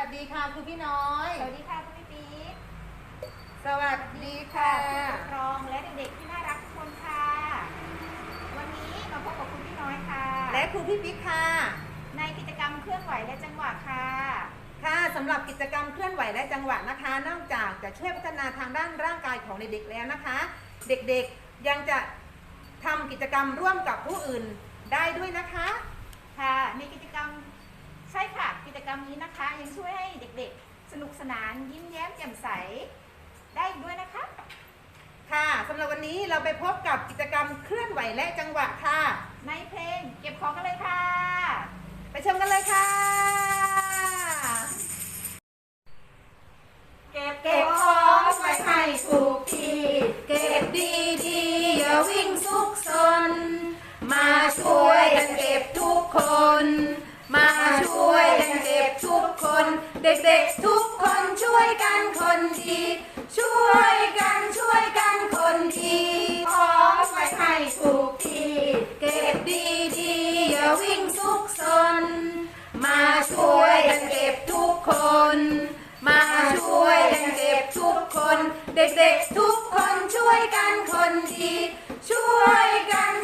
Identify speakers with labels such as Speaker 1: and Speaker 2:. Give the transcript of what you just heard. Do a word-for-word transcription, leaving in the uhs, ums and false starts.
Speaker 1: สดีค่ะคุณพี่น้อย
Speaker 2: สวัสดีค่ะคุณพี่ปี๊ด
Speaker 1: สวัสดีค่ะ
Speaker 2: ผู้ปกครองและเด็กๆที่น่ารักทุกคนค่ะวันนี้มาพบกับคุณพี่น้อยค่ะ
Speaker 1: และครูพี่ปิ๊กค่ะ
Speaker 2: ในกิจกรรมเคลื่อนไหวและจังหวะค่ะ
Speaker 1: ค่ะสำหรับกิจกรรมเคลื่อนไหวและจังหวะนะคะ นอกจากจะช่วยพัฒนาทางด้านร่างกายของเด็กๆแล้วนะคะ เด็กๆยังจะทำกิจกรรมร่วมกับผู้อื่นได้ด้วยนะคะ
Speaker 2: ค่ะในกิจกรรมใช่ค่ะกิจกรรมนี้นะคะยังช่วยให้เด็กๆสนุกสนานยิ้มแย้มแจ่มใสได้ด้วยนะคะ
Speaker 1: ค่ะสำหรับวันนี้เราไปพบกับกิจกรรมเคลื่อนไหวและจังหวะค่ะ
Speaker 2: ในเพลงเก็บของกันเลยค่ะ
Speaker 1: ไปชมกันเลยค่ะ
Speaker 2: เก็บเก็บของไว้ให้ถูกที่
Speaker 1: เก็บดีๆอย่าวิ่งซุกซนมาช่วยกันเก็บทุกคนมาช่วยกันเก็บทุกคนเด็กๆทุกคนช่วยกันคนดีช่วยกันช่วยกันคนดี
Speaker 2: ของไว้ให้ถูกที่
Speaker 1: เก็บดีๆอย่าวิ่งซุกซนมาช่วยกันเก็บทุกคนมาช่วยกันเก็บทุกคนเด็กๆทุกคนช่วยกันคนดีช่วยกัน